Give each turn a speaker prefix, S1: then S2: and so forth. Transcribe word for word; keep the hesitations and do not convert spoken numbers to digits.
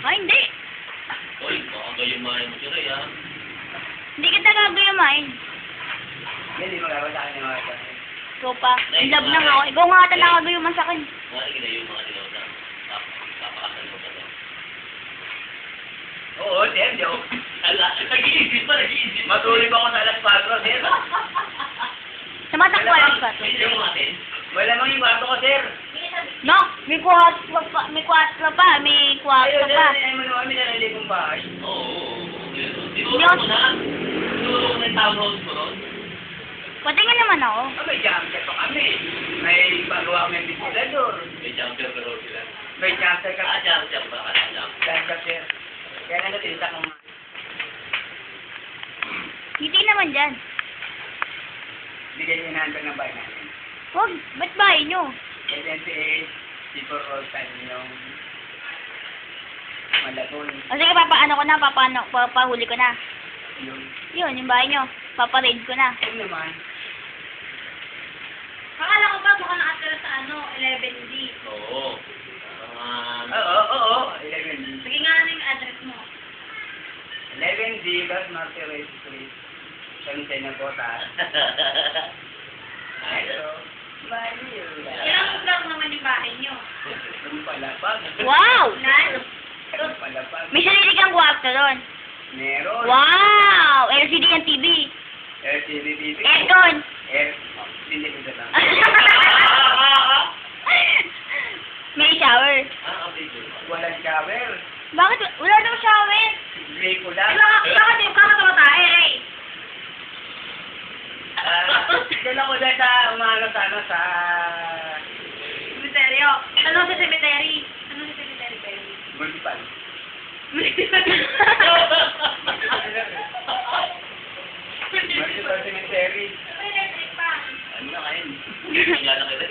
S1: Ay, hindi.
S2: Uy, baka gayumahin mo si Ray, ha?
S1: Hindi kita gagayamain.
S3: Hindi mo gawin sa akin yung mga ito.
S1: Ikaw pa. In love lang ako. Ikaw nga ata nakagayuman sa akin.
S2: Mga ginayong mga dilaw na. Papakasal mo ba ito?
S3: Oo, sir, joke.
S2: Ala, nag-iisip pa, nag-iisip pa.
S3: Matulog ako sa alas patro, sir.
S1: Sa mata ko alas pa.
S2: May sila mga atin?
S3: Wala mang yung kwarto ko, sir.
S1: No, may kwarto pa. May kwarto pa. May kwarto
S3: Ayun,
S1: pa.
S3: sir, ay mo naman kami nalali kong bahay.
S2: Oo, oo, oo. Tinuro ko na. Tinuro ko na yung townhouse mo ron.
S1: Pwede nga naman ako.
S3: Ah, may jumper pa kami. May pagawa kami ventilador.
S2: May jumper pero sila.
S3: May jumper ka.
S2: Ah, jumper ba? Ah, jumper.
S3: Jumper, sir. Kaya nga natinta kong...
S1: Hindi naman dyan.
S3: Bigyan niyo number ng bahay natin.
S1: Huwag. Ba't bahay nyo?
S3: twenty-eight, Sipor Road, yung Malabon.
S1: O sige, papaano ko na. Papaano, papahuli ko na.
S3: Yung...
S1: Yun, yung bahay nyo. Paparaid ko na.
S3: Yung naman.
S1: Akala ko ba baka nakatira sa ano, eleven D.
S2: Oo. Mga...
S3: Oo, oo, oo. eleven D.
S1: Sige nga ano yung address mo.
S3: eleven D, Los Martires Street. San Sena Bota. Pero, baliw.
S1: Ilang block naman yung bahay nyo?
S3: Yung palapag.
S1: Wow!
S3: Yung palapag.
S1: May sarili kang kwarto doon.
S3: Meron.
S1: Wow! L C D and T V.
S3: L C D T V.
S1: Aircon.
S3: Air. Hindi ko lang.
S1: May shower.
S2: Ah, okay.
S3: Walang shower.
S1: Bakit? Wala daw shower.
S3: Gray ko lang.
S1: Ay, baka, bakit yung kakatawa tayo eh?
S3: Ah, dala ko dyan sa umaga sa ano sa...
S1: Cemeteryo. Ano sa cemetery? Ano sa cemetery kayo?
S3: Municipal. Municipal cemetery.
S1: May electric pa.
S3: Ano na kayo?
S2: Tingnan lang kita.